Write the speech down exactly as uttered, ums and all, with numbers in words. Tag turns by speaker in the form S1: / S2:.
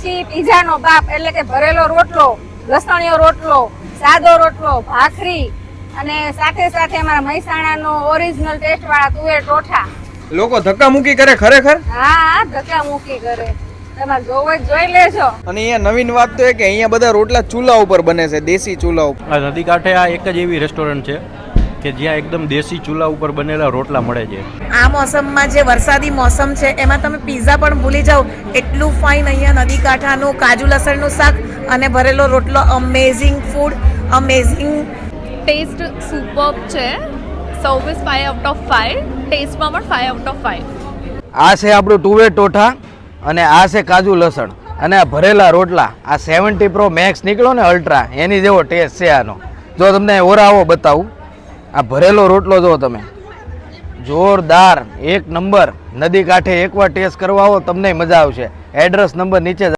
S1: પછી પીઝાનો બાપ એટલે કે ભરેલો રોટલો, લસણીયો રોટલો, સાદો રોટલો, ભાખરી અને સાથે સાથે અમારા મહેસાણાનો ઓરિજિનલ ટેસ્ટ વાળા તુવેર ટોઠા.
S2: લોકો ધક્કા મૂકી કરે ખરેખર?
S1: હા, ધક્કા મૂકી કરે. તમારે જોવો જોઈ લેજો.
S2: અને અહીંયા નવીન વાત તો એ કે અહીંયા બધા રોટલા ચૂલા ઉપર બને છે, દેશી ચૂલા ઉપર.
S3: આ નદી કાંઠે આ એક જ એવી રેસ્ટોરન્ટ છે કે જ્યાં એકદમ દેશી ચૂલા ઉપર બનેલા રોટલા મળે છે.
S4: આ મોસમમાં જે વરસાદી મોસમ છે એમાં તમે પીઝા પણ ભૂલી જાઓ, એટલું ફાઇન. અહીંયા નદી કાંઠાનું કાજુ લસણનું શાક અને ભરેલો રોટલો, amazing food, amazing
S5: taste superb છે. Service five out of five, ટેસ્ટમાં પણ ફાઈવ આઉટ ઓફ ફાઈવ.
S6: આ છે આપણું તુવેર ટોઠા અને આ છે કાજુ લસણ અને આ ભરેલા રોટલા. આ સેવન્ટી પ્રો મેક્સ નીકળ્યો ને અલ્ટ્રા, એની જેવો ટેસ્ટ છે આનો. જો તમને ઓરાવો બતાવું, આ ભરેલો રોટલો જો તમે, જોરદાર, એક નંબર. નદી કાંઠે એકવાર ટેસ્ટ કરવા આવો તમને મજા આવશે. એડ્રેસ નંબર નીચે